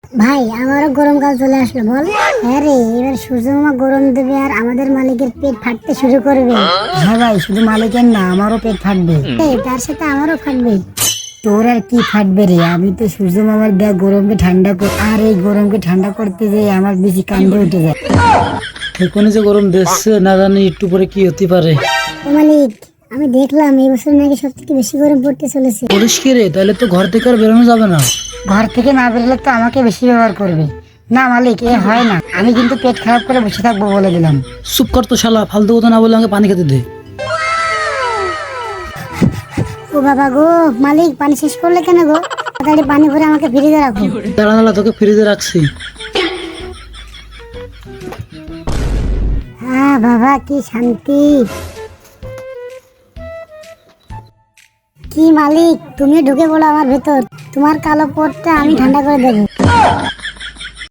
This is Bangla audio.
ভাই আমারও গরমকাল চলে আসলো বল। হ্যাঁ রে, এবার সূর্য মামা গরম দেবে আর আমাদের মালিকের পেট ফাটতে শুরু করবে। হ্যাঁ ভাই, শুধু মালিকের না, আমারও পেট ফাটবে। তার সাথে আমারও ফাটবে। তোর আর কি ফাটবে রে, আমি তো সূর্য মামার দেয়া গরমকে ঠান্ডা কর, আর এই গরমকে ঠান্ডা করতে যেয়ে আমার বেশি কান্দে উঠে যায়। এখনই যে গরম দিচ্ছে, না জানি একটু পরে কি হতে পারে। ও মালিক, আমি দেখলাম এই বছর নাকি সব থেকে বেশি গরম পড়তে চলেছে। বলিস কি রে, তাহলে তো ঘর থেকে আর বেরোনো যাবে না। ঘর থেকে না বেরোলে তো আমাকে বেশি ব্যবহার করবে। না মালিক, এ হয় না, আমি কিন্তু পেট খারাপ করে বসে থাকবো বলে দিলাম। চুপ কর তো শালা, ফালতু কথা না বলে আমাকে পানি খেতে দে। ও বাবা গো, মালিক পানি শেষ করলে কেন গো? তাড়াতাড়ি পানি ভরে আমাকে ফ্রিজে রাখো। দাঁড়া দাঁড়া, তোকে ফ্রিজে রাখছি। হ্যাঁ বাবা, কি শান্তি। কি মালিক, তুমি ঢুকে পড়ো আমার ভেতর, তোমার কালো পোটটা আমি ঠান্ডা করে দেবো।